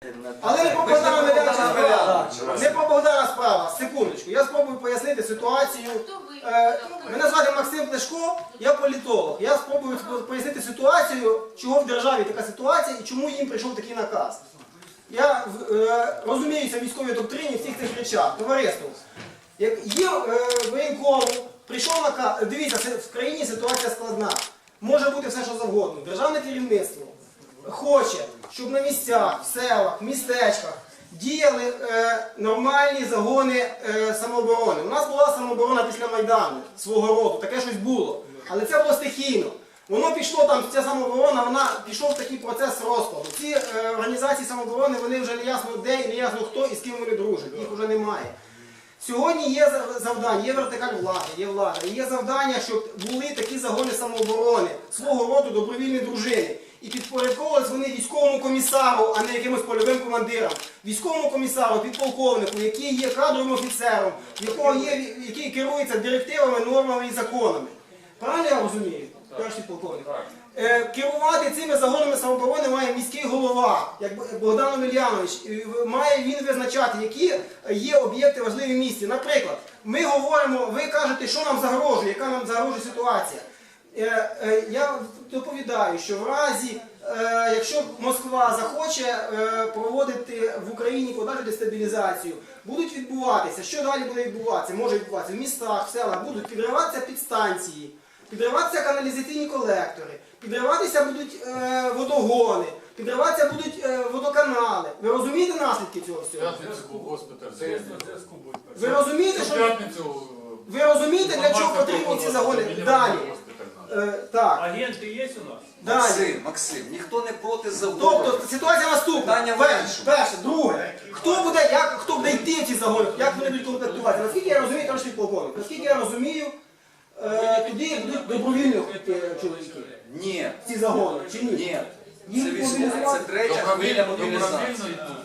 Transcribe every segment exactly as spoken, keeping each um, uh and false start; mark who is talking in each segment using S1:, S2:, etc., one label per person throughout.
S1: Але не про Богдана Омеляновича справа. Не про Богдана справа. Секундочку. Я спробую пояснити ситуацію. Е, Мене звати Максим Плешко, я політолог. Я спробую пояснити ситуацію, чого в державі така ситуація і чому їм прийшов такий наказ. Я е, розуміюся в військовій доктрині всіх цих речах. Товариство, як є е, воєнкому, прийшов наказ, дивіться, в країні ситуація складна. Може бути все, що завгодно. Державне керівництво хоче, щоб на місцях, в селах, в містечках діяли е, нормальні загони е, самооборони. У нас була самооборона після Майдану, свого роду, таке щось було. Але це було стихійно. Воно пішло там, ця самооборона, вона пішов такий процес розкладу. Ці е, організації самооборони, вони вже не ясно де і не ясно хто і з ким вони дружать. Їх вже немає. Сьогодні є завдання, є вертикаль влади, є влада. І є завдання, щоб були такі загони самооборони, свого роду добровільні дружини. І підпорядковувалися вони військовому комісару, а не якимось польовим командирам. Військовому комісару, підполковнику, який є кадровим офіцером, якого є, який керується директивами, нормами і законами. Правильно я розумію? Перший полковник. Е, керувати цими загонами самооборони має міський голова, як Богдан Омелянович. Має він визначати, які є об'єкти важливі в місті. Наприклад, ми говоримо, ви кажете, що нам загрожує, яка нам загрожує ситуація. Е, е, я доповідаю, що в разі, е, якщо Москва захоче е, проводити в Україні подальшу дестабілізацію, будуть відбуватися, що далі буде відбуватися? Може відбуватися в містах, в селах, будуть підриватися підстанції, підриватися каналізаційні колектори, підриватися будуть е, водогони, підриватися будуть е, водоканали. Ви розумієте наслідки цього всього? Ви розумієте, що... Ви розумієте, для чого потрібні ці загони? Далі. Е, так.
S2: Агенти є у нас?
S1: Далі.
S3: Максим, Максим, ніхто не проти загону.
S1: Тобто ситуація наступна. Перше, перше, друге. Хто буде, як, хто буде йти в ці загони? Як вони будуть контактувати? Наскільки я розумію, товариш полковник, наскільки я розумію, е, туди будуть добровільні чоловіки.
S3: Ні.
S1: Ці загони, чи ні?
S3: Ні.
S1: Їх
S3: Це військово,
S1: мобілізувати?
S3: це третя хвиля мобілізації.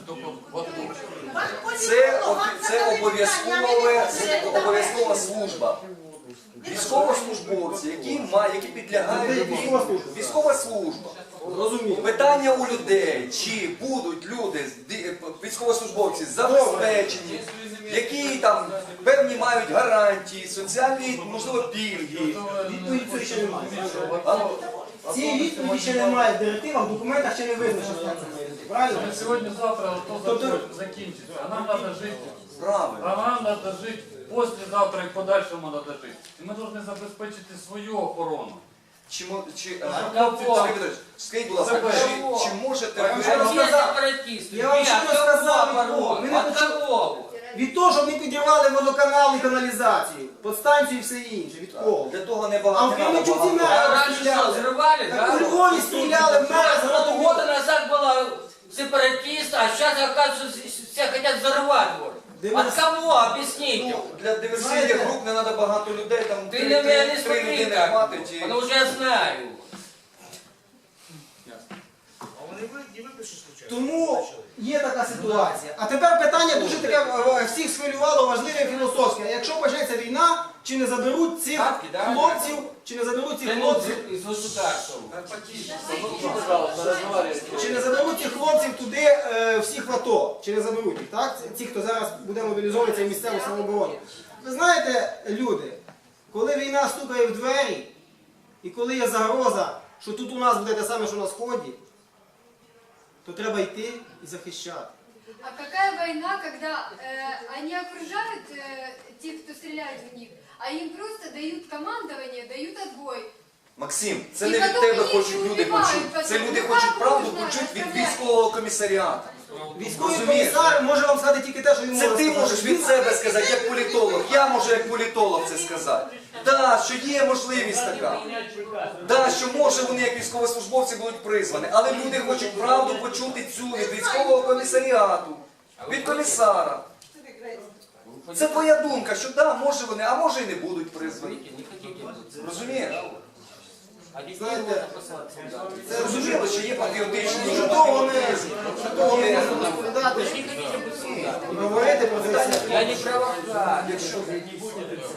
S3: Це, це обов'язкова обов'язкова служба. Військовослужбовці, які, які підлягають військова служба.
S1: Розумію.
S3: Питання у людей, чи будуть люди, військовослужбовці, забезпечені, які там певні мають гарантії, соціальні, можливо, пільги.
S1: Відповіді ще немає. Цієї відповіді ще немає в директивах, в документах ще не визначено. Правильно?
S2: Сьогодні-завтра то закінчиться, а нам треба жити.
S3: Правильно.
S2: А нам треба жити післязавтра і подальшому треба жити. І ми повинні забезпечити свою охорону.
S3: Чи, чи, скажіть, будь ласка, чи, чи можете ви...
S1: Я вам щойно сказав, від того, щоб не підірвали водоканал і каналізацію, подстанцію і все інше, від кого?
S3: Для того не
S1: А в
S3: багато.
S1: Кременчуці мера стріляли. Так у Львові стріляли в мера з
S4: Два года назад была сепаратист, а сейчас, оказывается, все хотят взорвать город. От кого? Объясните.
S3: Ну, для диверсійних груп не треба багато людей, там
S4: Ты
S3: три,
S4: на меня не
S3: три
S4: смотри
S3: людини
S4: так,
S3: хватить. І...
S4: потому что я знаю.
S1: Тому є така ситуація. А тепер питання дуже таке е, всіх схвилювало, важливе філософське. Якщо почнеться війна, чи не заберуть цих
S4: Бабки, да?
S1: хлопців, чи не заберуть цих хлопців,
S4: Из государства.
S1: чи не заберуть цих хлопців туди е, всіх в АТО, чи не заберуть їх, так? Ті, хто зараз буде мобілізований в місцеву самооборону. Ви знаєте, люди, коли війна стукає в двері, і коли є загроза, що тут у нас буде те саме, що на Сході, то треба йти і захищати.
S5: А какая война, когда э, они окружают э, тех, кто стреляет в них, а им просто дают командование, дают отбой.
S3: Максим, це
S5: І
S3: не від
S5: потім
S3: тебе
S5: їх
S3: хочуть люди
S5: вбивають,
S3: почути.
S5: потім
S3: Це люди
S5: вбивають,
S3: хочуть правду
S5: можна
S3: почути від
S5: розказати.
S3: військового комісаріату.
S1: Військовий
S3: Розумієш?
S1: комісар може вам сказати тільки те, що він
S3: Це
S1: може
S3: ти
S1: сказати.
S3: можеш від себе сказати, як політолог. Я можу як політолог це сказати. Так, що є можливість така. Так, що може вони як військовослужбовці будуть призвані. Але люди хочуть правду почути цю від військового комісаріату, від комісара. Це твоя думка, що так, може вони, а може і не будуть призвані. Розумієш?
S1: Знаєте,
S3: Це зрозуміло, що є патріотичні
S1: що того не, що того не можна розповідати і говорити про це все.
S4: Я не провокатор.
S3: Якщо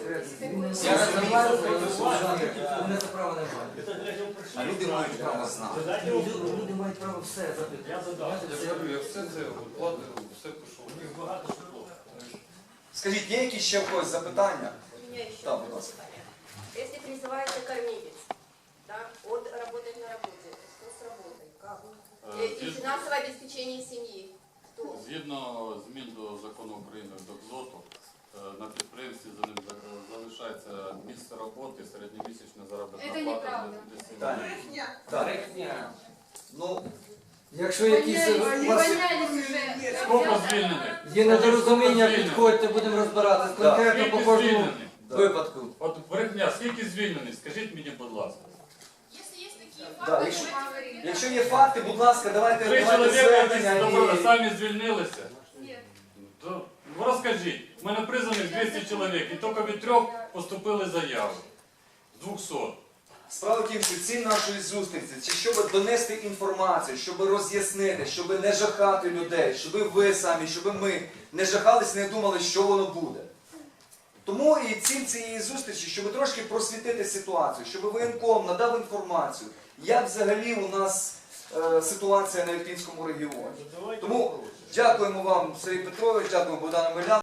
S5: такой.
S4: Я разговариваю, вони це право не мають.
S3: А люди мають право знати.
S4: Люди, люди мають право все запитати.
S2: Я говорю, я все це вкладаю, все пишу.
S3: Скажіть, є якісь ще в когось запитання?
S6: У меня еще
S3: Да,
S6: одно
S3: пожалуйста.
S6: питание. Если призывается кормилец, да, от работать на работе, что с работой? Как?
S2: Э,
S6: И, и
S2: здесь-
S6: финансовое обеспечение семьи. Кто?
S2: Згідно змін до закону України до КЗОТу, е, на підприємстві за ним за- залишається місце роботи, середньомісячна заробітна
S5: Це
S2: плата
S5: неправда.
S2: для сім'ї.
S3: Так. Так.
S4: Брехня.
S3: Ну,
S4: Якщо якісь у вас
S5: Увольнялись уже.
S2: Скільки звільнених?
S4: є недорозуміння,
S2: Скільки
S4: підходьте, будемо розбиратись
S3: Да.
S4: конкретно по
S2: Скільки
S4: кожному
S2: звільнених?
S4: випадку.
S2: От брехня, скільки звільнених? Скажіть мені, будь ласка.
S5: Если есть такие
S3: Да,
S5: факты,
S3: якщо-
S5: мы говорим.
S3: якщо є факти, будь ласка, давайте,
S2: Три
S3: давайте
S2: чоловіка, які
S3: звернення
S2: добре,
S3: і...
S2: самі звільнилися.
S5: Нет.
S2: То ви розкажіть, в мене призваних двісті чоловік, і тільки від трьох поступили заяви. З двохсот.
S3: Справа в тім, що ціль нашої зустрічі, це щоб донести інформацію, щоб роз'яснити, щоб не жахати людей, щоб ви самі, щоб ми не жахались, не думали, що воно буде. Тому і ціль цієї зустрічі, щоб трошки просвітити ситуацію, щоб воєнком надав інформацію, як взагалі у нас е, ситуація на Ірпінському регіоні. Тому дякуємо вам, Сергій Петрович, дякуємо Богдану Миляну.